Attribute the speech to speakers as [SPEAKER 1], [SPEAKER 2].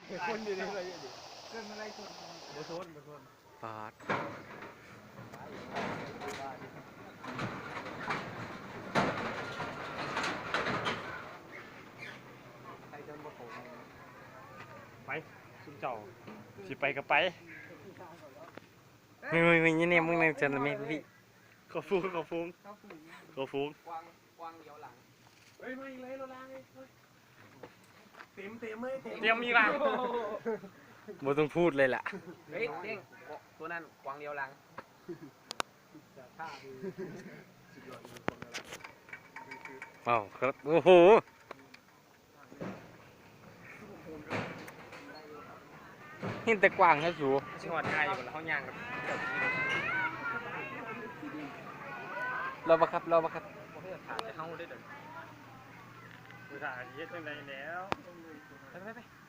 [SPEAKER 1] คนอยู่ในอะไรดิ
[SPEAKER 2] เกินอะไรคน
[SPEAKER 1] บ่ทนบ่ทน
[SPEAKER 3] ปาด
[SPEAKER 1] ใครจะบ่โผล่
[SPEAKER 4] ไปซุ่มเจ้าสิไปก็ไป
[SPEAKER 3] มึงเนี่ยมึงนั่งจนไม่พี่
[SPEAKER 4] เขาฟุ้งเขาฟุ้ง
[SPEAKER 2] เข้าฝูง
[SPEAKER 4] เขาฟุ้ง
[SPEAKER 1] กวางเดียวหลังเฮ้ยไม่เลยเราล้างเลยเต็มเลย
[SPEAKER 4] เตรียมมีบ้าง
[SPEAKER 3] บ่ต้องพูดเลยล่ะ
[SPEAKER 1] เฮ้ยเด้งตัวนั้นกวางเดียวหลังท่าคือสุดยอดเลยกวางเดียวหลัง
[SPEAKER 3] อ้าวครับโอ้โห เห็นแต่กว้างนะสู
[SPEAKER 4] ชิงหอดง่ายอยู่แล้วเขาย่างกับ
[SPEAKER 3] เราบังคับเราบังคับ
[SPEAKER 1] บ่ให้ถ่ายจะเข้าได้เด้อ
[SPEAKER 4] ภาษาเย็ดจังไดแล้ว
[SPEAKER 1] ไป